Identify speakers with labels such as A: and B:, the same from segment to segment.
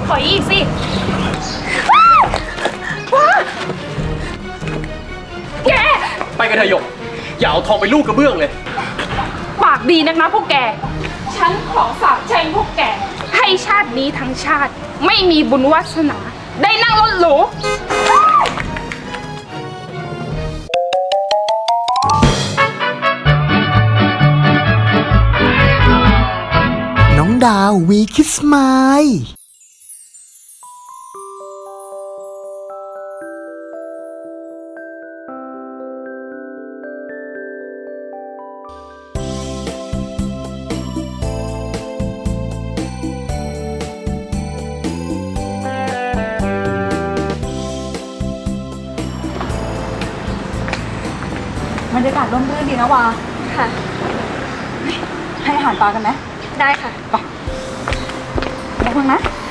A: ถอยอีกสิแก
B: ไปกันเถอะหยกอย่าเอาทองไปลูกกระเบื้องเลย
A: ปากดีนักนะพวกแกฉันขอสาบแช่งพวกแกให้ชาตินี้ทั้งชาติไม่มีบุญวาสนาได้นั่งรถหรู
C: น้องดาววีคิสไมล์
D: บรรยากาศร่มรื่นดีนะวาค่ะ ให้อาหารปลากันไหมได้ค่ะไปไปคุณนะ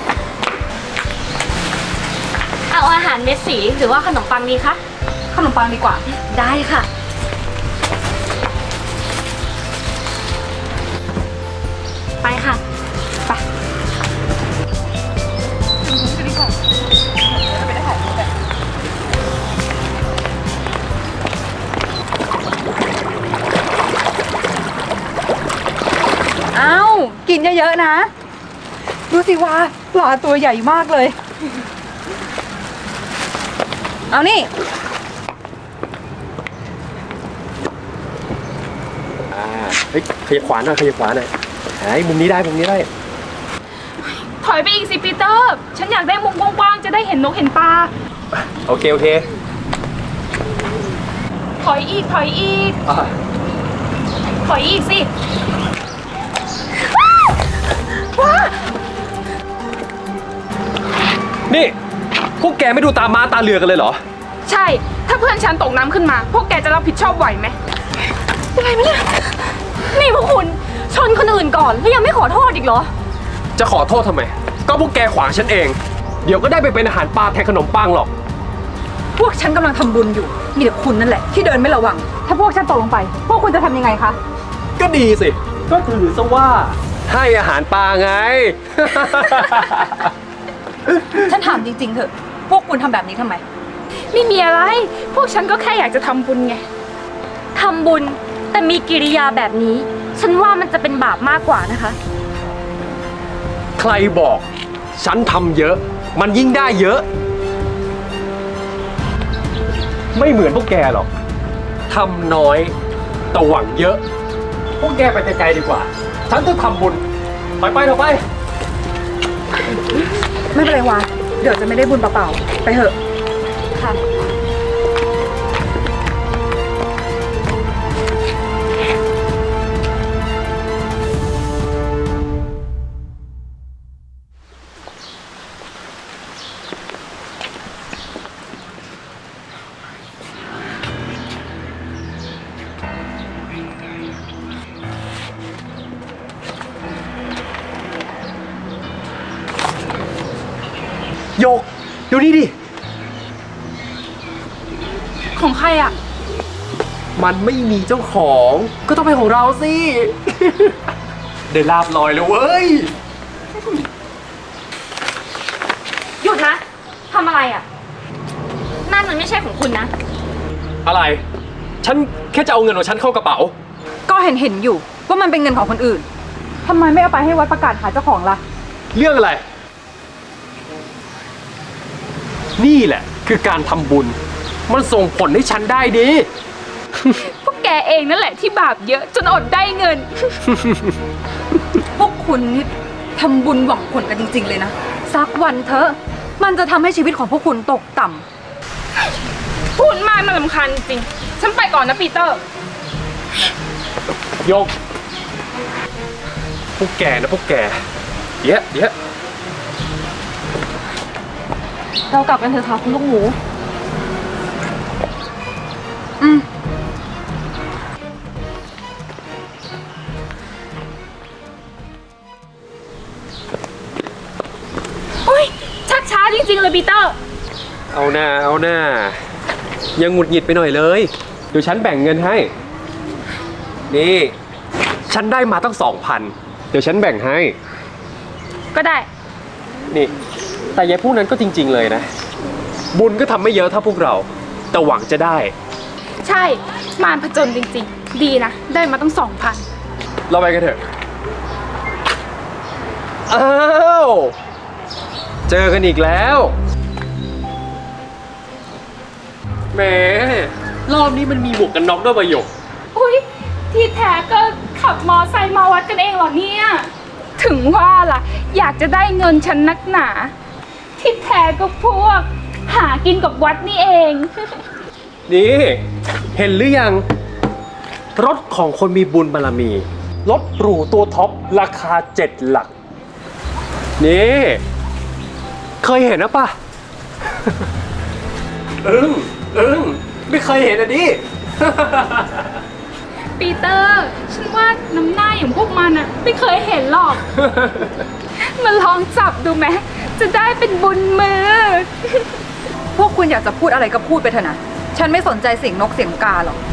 E: เอาอาหารเม็ดสีหรือว่าขนมปังดีคะ
D: ขนมปังดีกว่า
E: ได้ค่ะไปค่ะ
D: ไปดีกว่าไปได้ถ่ายรูปแบบอ้าวกินเยอะๆนะดูสิว่าปลาตัวใหญ่มากเลยเอานี่
B: เฮ้ยขยับขวาหน่อยขยับขวาหน่อยมุมนี้ได้มุมนี้ได้
A: ถอยไปอีกสิปีเตอร์ฉันอยากได้มุมกว้างๆจะได้เห็นนกเห็นปลา
B: โอเคโอเค
A: ถอยอีกถอยอีกถอยอีกสิ
B: นี่พวกแกไม่ดูตาม้าตาเรือกันเลยเหรอ
A: ใช่ถ้าเพื่อนฉันตกน้ำขึ้นมาพวกแกจะรับผิดชอบไหวไหม
E: อะไรไหมเนี่ยนี่พวกคุณชนคนอื่นก่อนแล้วยังไม่ขอโทษอีกเหรอ
B: จะขอโทษทำไมก็พวกแกขวางฉันเองเดี๋ยวก็ได้ไปเป็นอาหารปลาแทนขนมปังหรอก
D: พวกฉันกำลังทำบุญอยู่มีแต่คุณนั่นแหละที่เดินไม่ระวังถ้าพวกฉันตกลงไปพวกคุณจะทำยังไงคะ
B: ก็ดีสิก็ถือซะว่าให้อาหารปลาไง
D: ฉันถามจริงๆเถอะพวกคุณทำแบบนี้ทำไม
A: ไม่มีอะไรพวกฉันก็แค่อยากจะทำบุญไง
E: ทำบุญแต่มีกิริยาแบบนี้ฉันว่ามันจะเป็นบาปมากกว่านะคะ
B: ใครบอกฉันทำเยอะมันยิ่งได้เยอะไม่เหมือนพวกแกหรอกทำน้อยแต่หวังเยอะพวกแกไปไกลๆดีกว่าฉันจะทำบุญไปเถอะไป
D: ไม่เป็นไรวะเดี๋ยวจะไม่ได้บุญเปล่าๆไปเถอะค่ะ
B: โยกดูนี่ดิ
A: ของใครอ่ะ
B: มันไม่มีเจ้าของก็ต้องเป็นของเราสิ ได้ลาบลอยเลยเว้ย
E: หยุดนะทำอะไรอ่ะนั่นมันไม่ใช่ของคุณนะ
B: อะไรฉันแค่จะเอาเงินของฉันเข้ากระเป๋า
D: ก็เห็นอยู่ว่ามันเป็นเงินของคนอื่นทำไมไม่เอาไปให้วัดประกาศหาเจ้าของล่ะ
B: เรื่องอะไรนี่แหละคือการทำบุญมันส่งผลให้ฉันได้ดี
A: พวกแกเองนั่นแหละที่บาปเยอะจนอดได้เงิน
D: พวกคุณนี่ทำบุญหวังผลกันจริงๆเลยนะสักวันเถอะมันจะทำให้ชีวิตของพวกคุณตกต่
A: ำพูดมากน่ารำคาญจริงฉันไปก่อนนะปีเตอร์
B: โยกพวกแกนะพวกแกเยอะ
E: เรากลับกันเถอะค่ะคุณลูกหมู
A: อุ้ยชักช้าจริงๆเลยปีเตอร์
B: เอาหน้ายังหงุดหงิดไปหน่อยเลยเดี๋ยวฉันแบ่งเงินให้นี่ฉันได้มาตั้ง 2,000เดี๋ยวฉันแบ่งให้
A: ก็ได้
B: นี่แต่ยายผู้นั้นก็จริง ๆ เลยนะ บุญก็ทำไม่เยอะเท่าพวกเรา แต่หวังจะได้
A: ใช่มารผจญจริงๆ ดีนะ ได้มาตั้ง2,000
B: เราไปกันเถอะ อ้าว เจอกันอีกแล้วแหมรอบนี้มันมีหมวกกันน็อกด้วยประโยค
A: อุ๊ย ที่แท้ก็ขับมอไซค์มาวัดกันเองเหรอเนี่ย ถึงว่าล่ะ อยากจะได้เงินฉันนักหนา ที่แท้ก็พวก หากินกับวัดนี่เอง
B: นี่ เห็นหรือยัง รถของคนมีบุญบารมี รถหรูตัวท็อป ราคา7 หลัก นี่ เคยเห็นนะป่ะ ไม่เคยเห็นอ่ะดิ
A: ปีเตอร์ ฉันว่าน้ำหน้าอย่างพวกมันอะไม่เคยเห็นหรอก มาลองจับดูไหมจะได้เป็นบุญมือ
D: พวกคุณอยากจะพูดอะไรก็พูดไปเถอะนะ ฉันไม่สนใจเสียงนกเสียงกาหรอก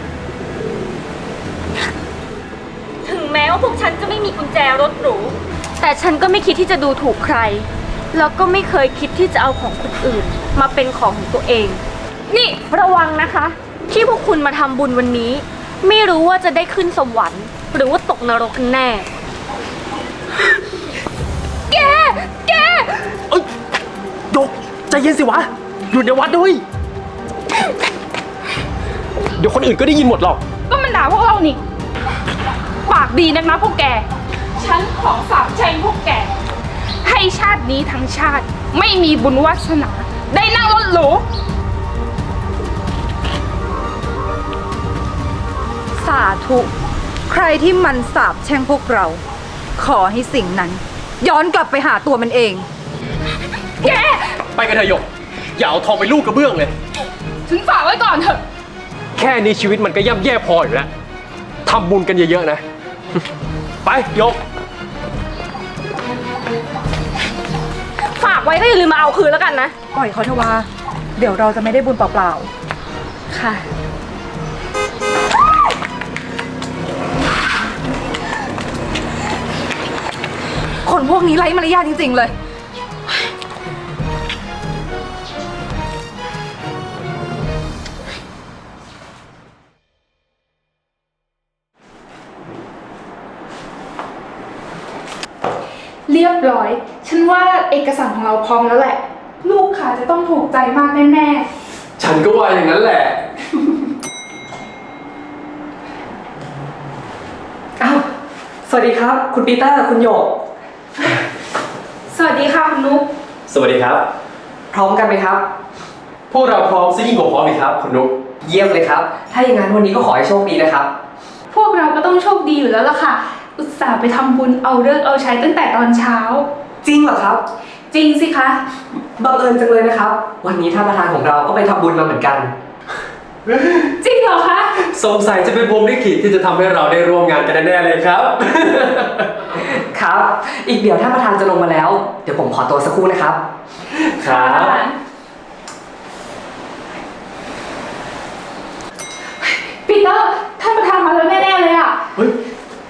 E: ถึงแม้ว่าพวกฉันจะไม่มีกุญแจรถหรู แต่ฉันก็ไม่คิดที่จะดูถูกใคร แล้วก็ไม่เคยคิดที่จะเอาของคนอื่น มาเป็นของของตัวเอง นี่ระวังนะคะ ที่พวกคุณมาทำบุญวันนี้ ไม่รู้ว่าจะได้ขึ้นสวรรค์ หรือว่าตกนรกกันแน่
A: แก
B: เอ้ยยกใจเย็นสิวะ อยู่ในวัดด้วย เดี๋ยวคนอื่นก็ได้ยินหมดหรอก
A: ก็มันด่าพวกเรานี่ ปากดีนักนะพวกแก ฉันขอสาปแช่งพวกแก ให้ชาตินี้ทั้งชาติ ไม่มีบุญวาสนา ได้นั่งรถหรู
D: สาธุ ใครที่มันสาบแช่งพวกเรา ขอให้สิ่งนั้น ย้อนกลับไปหาตัวมันเอง
A: แก
B: ไปกันเถอะหยก อย่าเอาทองไปลูกกระเบื้องเลย
A: ฉันฝากไว้ก่อนเถอะ
B: แค่นี้ชีวิตมันก็ย่ำแย่พออยู่แล้วทำบุญกันเยอะๆนะ ไปยก
E: ฝากไว้ก็อย่าลืมมาเอาคืนแล้วกันนะ
D: ปล่อยเขาเถอะว่า เดี๋ยวเราจะไม่ได้บุญเปล่า
E: ค่ะ
D: ๆ คนพวกนี้ไร้มารยาทจริงๆเลย
A: เรียบร้อย ฉันว่าเอกสารของเราพร้อมแล้วแหละ ลูกค้าจะต้องถูกใจมากแน่
B: ฉันก็ว่าอย่างนั้นแหละ
F: อ้าว สวัสดีครับ คุณปีเตอร์ คุณโยก
A: ๆ สวัสดีค่ะคุณนุ๊ก
B: สวัสดีครับ
F: พร้อมกันไหมครับ
B: พวกเราพร้อมซะยิ่งกว่าพร้อมอีกครับคุณนุ๊ก
F: เยี่ยมเลยครับ ถ้าอย่างนั้นวันนี้ก็ขอให้โชคดีนะครับ
A: พวกเราก็ต้องโชคดีอยู่แล้วล่ะค่ะ อุตส่าห์ไปทำบุญเอาเลิกษ์เอาใช้ตั้งแต่ตอนเช้า
F: จริงเหรอครับ
A: จริงสิคะ
F: บังเอิญจังเลยนะครับ วันนี้ท่านประธานของเราก็ไปทำบุญมาเหมือนกัน
A: จริงเหรอคะ
B: สงสัยจะเป็นพรหมลิขิตที่จะทำให้เราได้ร่วมงานกันแน่ๆเลยครับ
F: ครับ อีกเดี๋ยวท่านประธานจะลงมาแล้ว เดี๋ยวผมขอตัวสักครู่นะครับ
B: ครับ
A: ปีเตอร์ท่านประธานมาแล้วแน่ๆเลยอ่ะ
B: เฮ้ย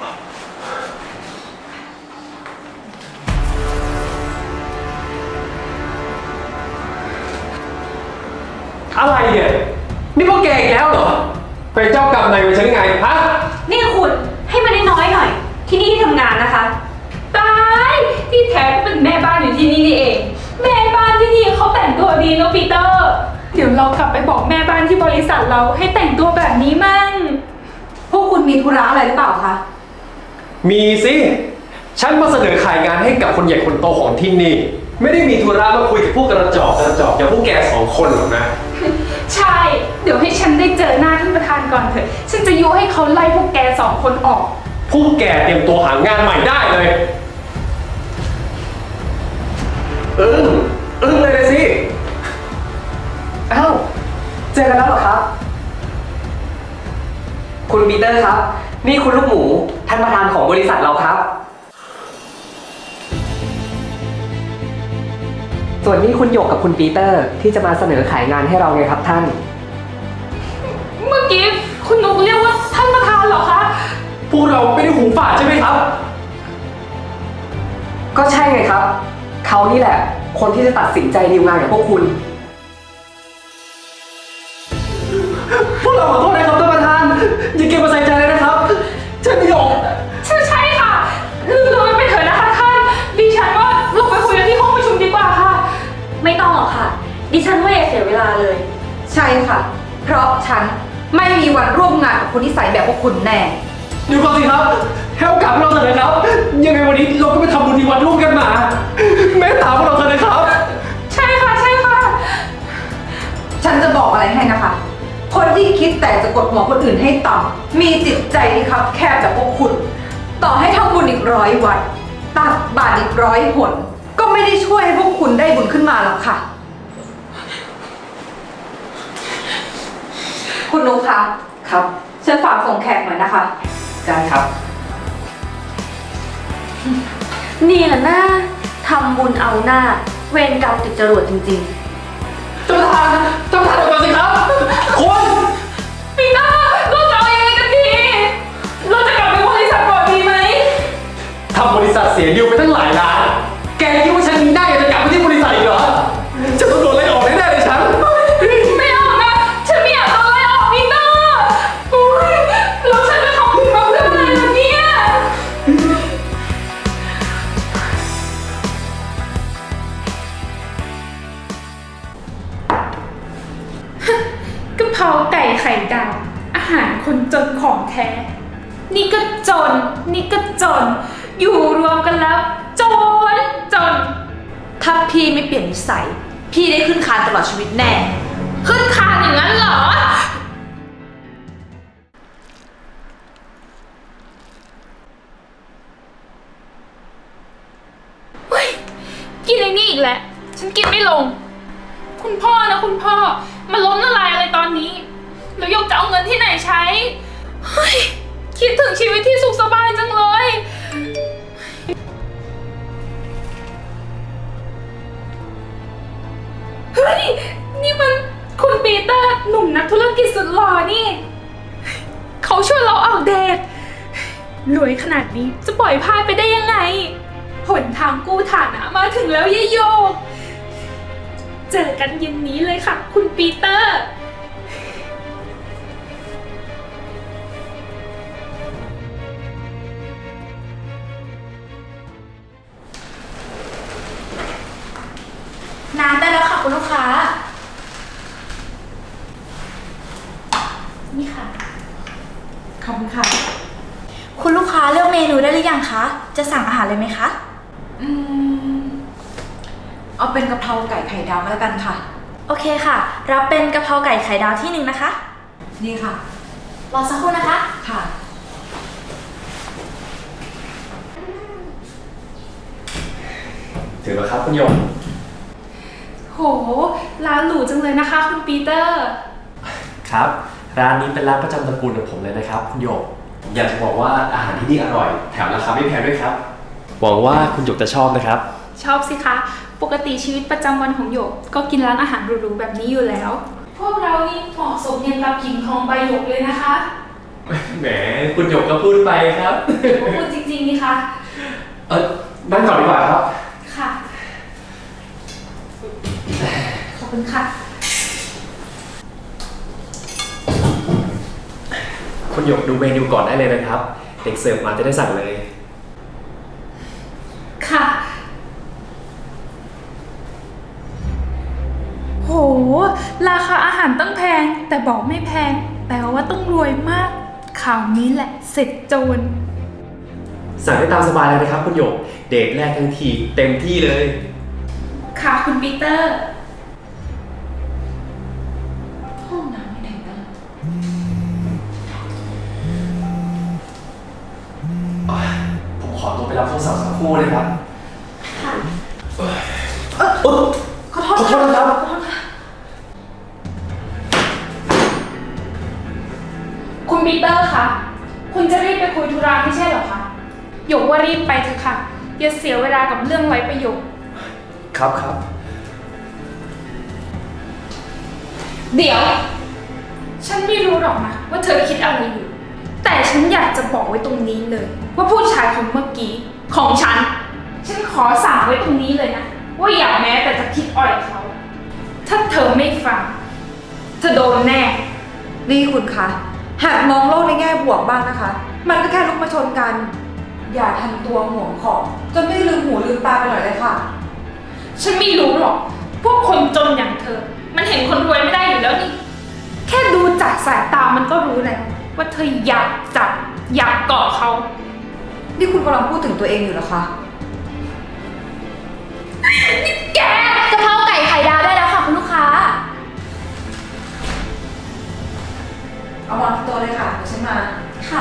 B: อะไรเนี่ย นี่พวกแกอีกแล้วเหรอ เป็นเจ้ากรรมนายเวรฉันยังไง ฮะ
E: นี่คุณให้มันได้น้อยหน่อย ที่นี่ที่ทำงานนะคะ
A: ตายที่แท้ก็เป็นแม่บ้านอยู่ที่นี่นี่เอง แม่บ้านที่นี่เขาแต่งตัวดีเนอะปีเตอร์ เดี๋ยวเรากลับไปบอกแม่บ้านที่บริษัทเราให้แต่งตัวแบบนี้มั่ง
D: พวกคุณมีธุระอะไรหรือเปล่าคะ
B: มีสิ ฉันมาเสนอขายงานให้กับคนใหญ่คนโตของที่นี่ ไม่ได้มีธุระมาคุยกับพวกกระจอกอย่างพวกแก2 คนหรอกนะ
A: ใช่ เดี๋ยวให้ฉันได้เจอหน้าท่านประธานก่อนเถอะ ฉันจะยุให้เขาไล่พวกแก2 คนออก
B: พวกแกเตรียมตัวหางานใหม่ได้เลย อึ้งเลยสิ
F: อ้าว เจอกันแล้วเหรอครับ คุณปีเตอร์ครับ นี่คุณลูกหมู ท่านประธานของบริษัทเราครับ ส่วนนี้คุณหยกกับคุณปีเตอร์ที่จะมาเสนอขายงานให้เราไงครับท่าน
A: เมื่อกี้คุณนุกเรียกว่าท่านประธานเหรอคะ
B: พวกเราไม่ได้หูฝาดใช่ไหมครับ
F: ก็ใช่ไงครับเขานี่แหละ คนที่จะตัดสินใจดีลงานกับพวกคุณ
B: พวกเราขอโทษนะครับท่านประธาน อย่าเก็บมาใส่ใจเลยนะครับใช่พี่หยก
A: ใช่ค่ะลืมไปเถอะนะคะท่าน ดิฉันว่าเราไปคุยกันที่ห้องประชุมดีกว่าค่ะ
E: ไม่ต้องหรอกค่ะ ดิฉันว่าอย่าเสียเวลาเลย
D: ใช่ค่ะ เพราะฉันไม่มีวันร่วมงานกับคนที่ใส่แบบพวกคุณแน่
B: เดี๋ยวก่อนสิครับให้โอกาสพวกเราเถอะนะครับ ยังไงวันนี้เราก็ไปทำบุญที่วัดร่วมกันมาเมตตาพวกเราเถอะนะครับ
A: ใช่ค่ะ
D: ฉันจะบอกอะไรให้นะคะ คนที่คิดแต่จะกดหัวคนอื่นให้ต่ำมีจิตใจที่คับแคบแบบพวกคุณ ต่อให้ทำบุญอีก100 วัดตักบาตรอีก100 หนก็ไม่ได้ช่วยให้พวกคุณได้บุญขึ้นมาหรอกค่ะ คุณนุ๊กคะ
F: ครับ
D: ฉันฝากส่งแขกหน่อยนะคะ
F: ได้ครับ
E: นี่แหละนะทำบุญเอาหน้า เวรกรรมติดจรวดจริง
B: ท่านประธานเดี๋ยวก่อนสิครับคุณ
A: ปีหน้าเราจะเอายังไงกันดี เราจะกลับไปบริษัทก่อนดีไหม
B: ทำบริษัทเสียดิวไปตั้งหลายล้าน แกคิดว่าฉันมีหน้าอยากจะกลับไปที่บริษัทอีกเหรอจะต้องโดนไล่ออกแน่ๆเลยฉัน
A: ไม่เอานะ ฉันไม่อยากโดนไล่ออกปีหน้าโอ้ยแล้วฉันจะทำบุญมาเพื่ออะไรล่ะเนี่ย กะเพราไก่ไข่ดาวอาหารคนจนของแท้ นี่ก็จน นี่ก็จน อยู่รวมกันแล้ว จน
G: ถ้าพี่ไม่เปลี่ยนนิสัย พี่ได้ขึ้นคานตลอดชีวิตแน่
A: ขึ้นคานอย่างนั้นเหรอ เฮ้ย กินไอ้นี่อีกแล้ว ฉันกินไม่ลง คุณพ่อนะคุณพ่อ มาล้มละลายอะไรตอนนี้ แล้วยกจะเอาเงินที่ไหนใช้ เฮ้ย คิดถึงชีวิตที่สุขสบายจังเลย เฮ้ย นี่มันคุณปีเตอร์หนุ่มนักธุรกิจสุดหล่อนี่ เขาชวนเราออกเดท รวยขนาดนี้จะปล่อยพลาดไปได้ยังไง หนทางกู้ฐานะมาถึงแล้วยายโยก เจอกันเย็นนี้เลยค่ะ คุณปีเตอร์
G: น้ำได้แล้วค่ะคุณลูกค้า
A: นี่ค่ะ
D: ขอบคุณค่ะ
G: คุณลูกค้าเลือกเมนูได้หรือยังคะ จะสั่งอาหารเลยไหมคะ
D: เอาเป็นกะเพราไก่ไข่ดาวมาแล้วกันค่ะ
G: โอเคค่ะ รับเป็นกะเพราไก่ไข่ดาวที่1นะคะ
D: นี่ค่ะ
G: รอสักครู่นะคะ
D: ค่ะ
B: ถึงแล้วครับคุณหยก
A: โห ร้านหรูจังเลยนะคะ คุณปีเตอร์
B: ครับ ร้านนี้เป็นร้านประจำตระกูลของผมเลยนะครับคุณหยกผมอยากจะบอกว่าอาหารที่นี่อร่อย แถมราคาไม่แพงด้วยครับ หวังว่าคุณหยกจะชอบนะครับ
A: ชอบสิคะ ปกติชีวิตประจำวันของหยก ก็กินร้านอาหารหรูๆแบบนี้อยู่แล้ว พวกเรานี่เหมาะสมเย็นกับกิ่งทองใบหยกเลยนะคะ
B: แหมคุณหยกก็พูดไปครับ
A: พูดจริงๆนี่คะ
B: นั่งก่อนดีกว่าครับ
A: ค่ะ ขอบคุณค่ะ
B: คุณหยกดูเมนูก่อนได้เลยนะครับ เด็กเสิร์ฟมาจะได้สั่งเลย
A: ค่ะ โห ราคาอาหารตั้งแพง แต่บอกไม่แพง แปลว่าต้องรวยมาก ข่าวนี้แหละ เสร็จโจร
B: สั่งได้ตามสบายเลยนะครับคุณหยก เดทแรกทั้งทีเต็มที่เลย
A: ค่ะคุณปีเตอร์
D: ห้องน้ำไม่ไหนนะ
B: ผมขอตัวไปรับโทรศัพท์สักครู่นะครับ
D: ขอโทษ
B: ขอโทษนะครับ
A: คุณปีเตอร์คะ คุณจะรีบไปคุยธุระไม่ใช่เหรอคะหยกว่ารีบไปเถอะค่ะ อย่าเสียเวลากับเรื่องไร้ประโยชน์
B: ครับครับ
A: เดี๋ยว ฉันไม่รู้หรอกนะว่าเธอคิดอะไรอยู่ แต่ฉันอยากจะบอกไว้ตรงนี้เลย ว่าผู้ชายคนเมื่อกี้ของฉันขอสั่งไว้ตรงนี้เลยนะว่าอย่าแม้แต่จะคิดอ่อยเขา ถ้าเธอไม่ฟังเธอโดนแน่
D: นี่คุณคะหัดมองโลกในแง่บวกบ้างนะคะ มันก็แค่ลุกมาชนกัน อย่าทำตัวห่วงของจนไม่ลืมหูลืมตาไปหน่อยเลยค่ะ
A: ฉันไม่รู้หรอก พวกคนจนอย่างเธอ มันเห็นคนรวยไม่ได้อยู่แล้วนี่ แค่ดูจากสายตามันก็รู้แล้วว่าเธออยากจับอยากเกาะเขา
D: นี่คุณกำลังพูดถึงตัวเองอยู่เหรอคะ
A: แก
G: กะเพราไก่ไข่ดาวได้แล้วค่ะคุณลูกค้า
D: เอาวางที่โต๊ะเลยค่ะเดี๋ยวฉันมา
G: ค่ะ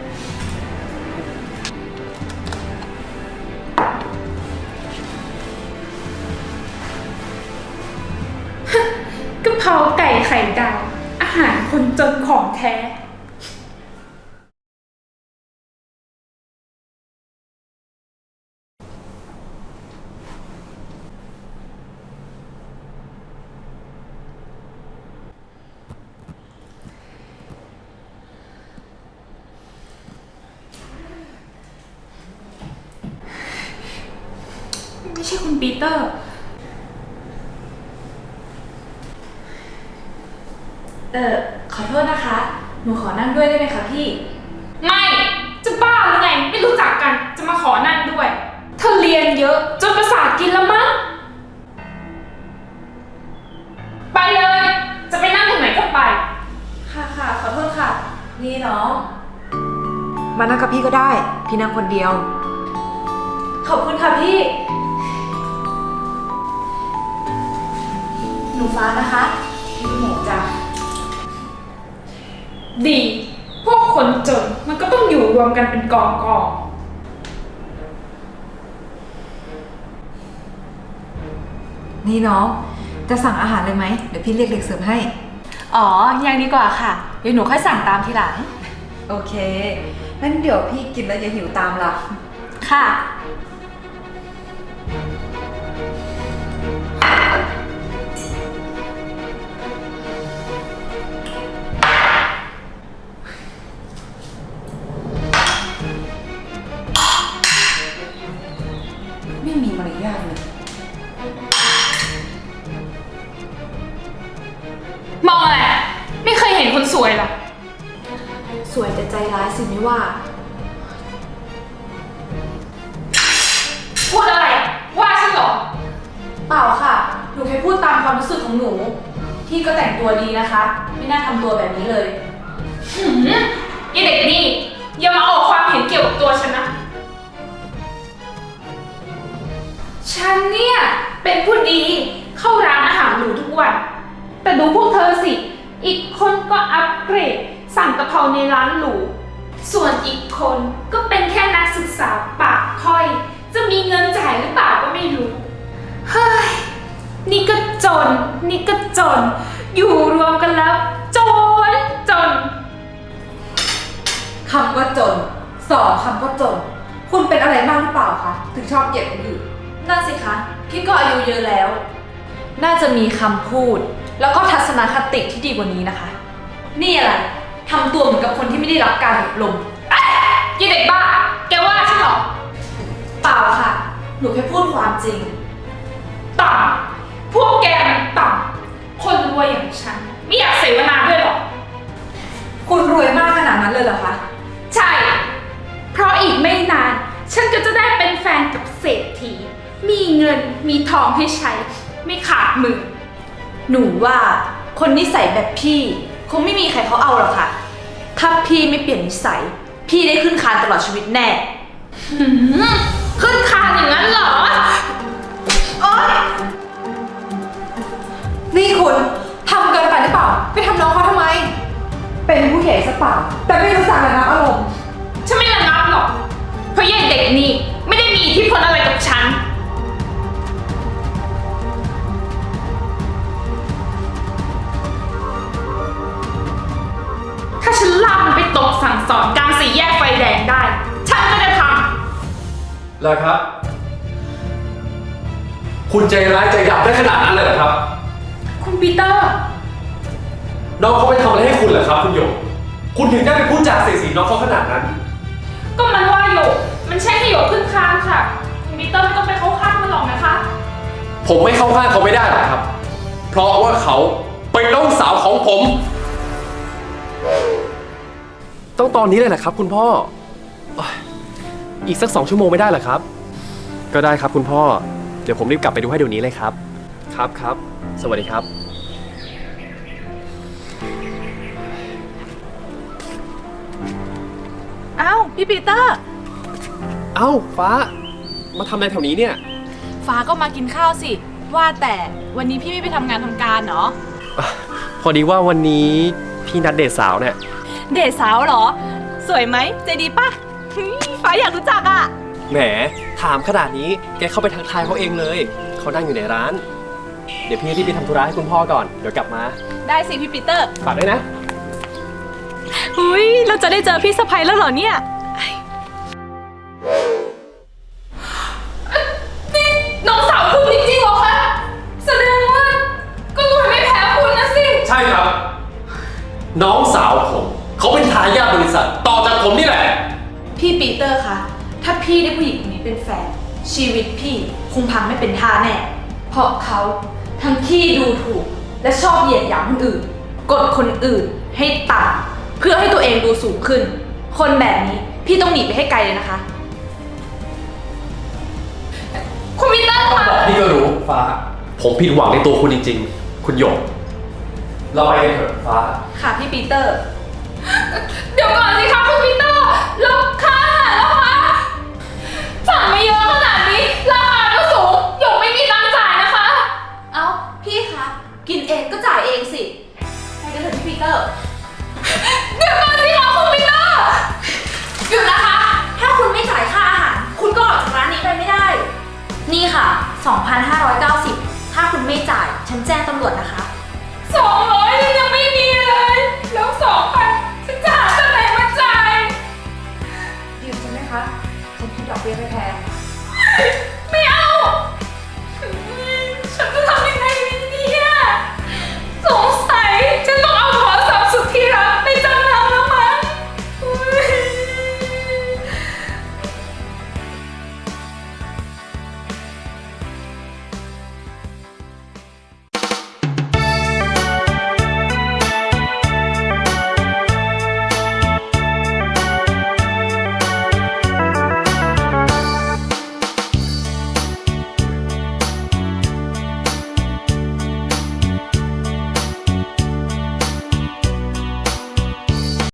A: กะเพราไก่ไข่ดาวอาหารคนจนของแท้ ไม่ใช่คุณปีเตอร์
G: ขอโทษนะคะ หนูขอนั่งด้วยได้ไหมคะพี่
A: ไม่ จะบ้าหรือไง ไม่รู้จักกัน จะมาขอนั่งด้วย เธอเรียนเยอะจนประสาทกินแล้วมั้ง ไปเลย จะไปนั่งตรงไหนก็ไป
G: ค่ะ ขอโทษค่ะ
D: นี่น้อง มานั่งกับพี่ก็ได้ พี่นั่งคนเดียว
G: ขอบคุณค่ะพี่ หนูฟ้านะคะ พี่หมูจ้ะ
A: ดี พวกคนจนมันก็ต้องอยู่รวมกันเป็นกองกอง
D: นี่น้อง จะสั่งอาหารเลยไหม เดี๋ยวพี่เรียกเด็กเสิร์ฟให้
G: อ๋อ ยังดีกว่าค่ะ เดี๋ยวหนูค่อยสั่งตามทีหลัง
D: โอเค งั้นเดี๋ยวพี่กินแล้วอย่าหิวตามล่ะ
G: ค่ะ
D: ไม่มีมารยาทเลย
A: มองอะไร ไม่เคยเห็นคนสวยหรอ
G: สวยแต่ใจร้ายสิไม่ว่า
A: พูดอะไร ว่าฉันเหรอ
G: เปล่าค่ะ หนูแค่พูดตามความรู้สึกของหนู พี่ก็แต่งตัวดีนะคะ ไม่น่าทำตัวแบบนี้เลย
A: หืมไอเด็กนี่อย่ามาออกความเห็นเกี่ยวกับตัวฉันนะ ฉันเนี่ยเป็นผู้ดีเข้าร้านอาหารหรูทุกวัน แต่ดูพวกเธอสิ อีกคนก็อัปเกรดสั่งกะเพราในร้านหรู ส่วนอีกคนก็เป็นแค่นักศึกษาปากค่อย จะมีเงินจ่ายหรือเปล่าก็ไม่รู้ เฮ้ย นี่ก็จน นี่ก็จน อยู่รวมกันแล้ว จน
D: คำว่าจน สองคำว่าจน คุณเป็นอะไรมากหรือเปล่าคะ ถึงชอบเหยียดคนอื่น
G: น่าสิคะ พี่ก็อายุเยอะแล้ว น่าจะมีคำพูด แล้วก็ทัศนคติที่ดีกว่านี้นะคะ นี่อะไรทำตัวเหมือนกับคนที่ไม่ได้รับการอบรม
A: ยี่เด็กบ้า แกว่าฉันเหรอ
G: เปล่าค่ะ หนูแค่พูดความจริง
A: ต่ำพวกแกมันต่ำคนรวยอย่างฉัน ไม่อยากเสวนาด้วยหรอก
D: คุณรวยมากขนาดนั้นเลยเหรอคะ
A: ใช่ เพราะอีกไม่นาน ฉันก็จะได้เป็นแฟนกับเศรษฐี มีเงินมีทองให้ใช้ ไม่ขาดมือ
G: หนูว่าคนนิสัยแบบพี่ คงไม่มีใครเขาเอาหรอกค่ะ ถ้าพี่ไม่เปลี่ยนนิสัย พี่ได้ขึ้นคานตลอดชีวิตแน่
A: หืมขึ้นคานอย่างนั้นเหรอ
D: นี่คุณทำเกินไปหรือเปล่า ไปทำน้องเขาทำไม เป็นผู้ใหญ่ซะเปล่า แต่ไม่รู้จักระงับอารมณ์
A: ฉันไม่ระงับหรอก เพราะยายเด็กนี่ไม่ได้มีอิทธิพลอะไรกับฉัน ถ้าฉันลากมันไปตกสั่งสอนกลางสี่แยกไฟแดงได้ ฉันก็จะทำ
B: แล้วครับ คุณใจร้ายใจดำได้ขนาดนั้นเลยเหรอครับ
A: คุณปีเตอร์
B: น้องเขาไปทำอะไรให้คุณเหรอครับ คุณหยก คุณถึงได้ไปพูดจาเสียดสีน้องเขาขนาดนั้น
A: ก็มันว่าโยกมันใช่ให้โยกขึ้นคานค่ะ คุณปีเตอร์ไม่ต้องไปเข้าข้างมันหรอกนะคะ
B: ผมไม่เข้าข้างเขาไม่ได้หรอกครับ เพราะว่าเขาเป็นน้องสาวของผม ต้องตอนนี้เลยเหรอครับคุณพ่ออีกสัก2 ชั่วโมงไม่ได้เหรอครับ ก็ได้ครับคุณพ่อ เดี๋ยวผมรีบกลับไปดูให้เดี๋ยวนี้เลยครับ ครับ สวัสดีครับ
G: อ้าวพี่ปีเตอร์
B: เอ้าฟ้า มาทำอะไรแถวนี้เนี่ย
G: ฟ้าก็มากินข้าวสิ ว่าแต่วันนี้พี่ไม่ไปทำงานทำการเหรอ
B: พอดีว่าวันนี้พี่นัดเดทสาวเนี่ย
G: เดทสาวเหรอ สวยไหมใจดีปะเฮ้ยฟ้าอยากรู้จักอ่ะ
B: แหม ถามขนาดนี้แกเข้าไปทักทายเขาเองเลย เขานั่งอยู่ในร้าน เดี๋ยวพี่รีบไปทำธุระให้คุณพ่อก่อน เดี๋ยวกลับมา
G: ได้สิพี่ปีเตอร์
B: ฝากด้วยนะ
G: อุ้ยเราจะได้เจอพี่สะใภ้แล้วเหรอเนี่ย
A: นี่น้องสาวคุณจริงๆเหรอคะ แสดงว่าก็รวยไม่แพ้คุณนะสิ
B: ใช่ครับ น้องสาวผมเขาเป็นทายาทบริษัท ต่อจากผมนี่แหละ
G: พี่ปีเตอร์คะถ้าพี่ได้ผู้หญิงคนนี้เป็นแฟน ชีวิตพี่คงพังไม่เป็นท่าแน่ เพราะเขาทั้งขี้ดูถูก และชอบเหยียดหยามคนอื่น กดคนอื่นให้ต่ำเพื่อให้ตัวเองดูสูงขึ้น คนแบบนี้พี่ต้องหนีไปให้ไกลเลยนะคะ
A: คุณปีเตอร์คะ
B: พี่ก็รู้ฟ้า ผมผิดหวังในตัวคุณจริงๆ คุณหยก เราไปกันเถอะฟ้า
G: ค่ะพี่ปีเตอร์
A: เดี๋ยวก่อนสิคะคุณปีเตอร์แล้วค่าอาหารแล้วคะสั่งมาเยอะขนาดนี้ราคาก็สูงหยกไม่มีตังค์จ่ายนะคะ
G: เอ้าพี่คะกินเองก็จ่ายเองสิไปกันเถอะพี่ปีเตอร์
A: เดี๋ยวก่อนสิคะคุณปีเตอร์
E: หยุดนะคะ ถ้าคุณไม่จ่ายค่าอาหาร คุณก็ออกจากร้านนี้ไปไม่ได้ นี่ค่ะ 2,590 ถ้าคุณไม่จ่าย ฉันแจ้งตำรวจนะคะ
A: 200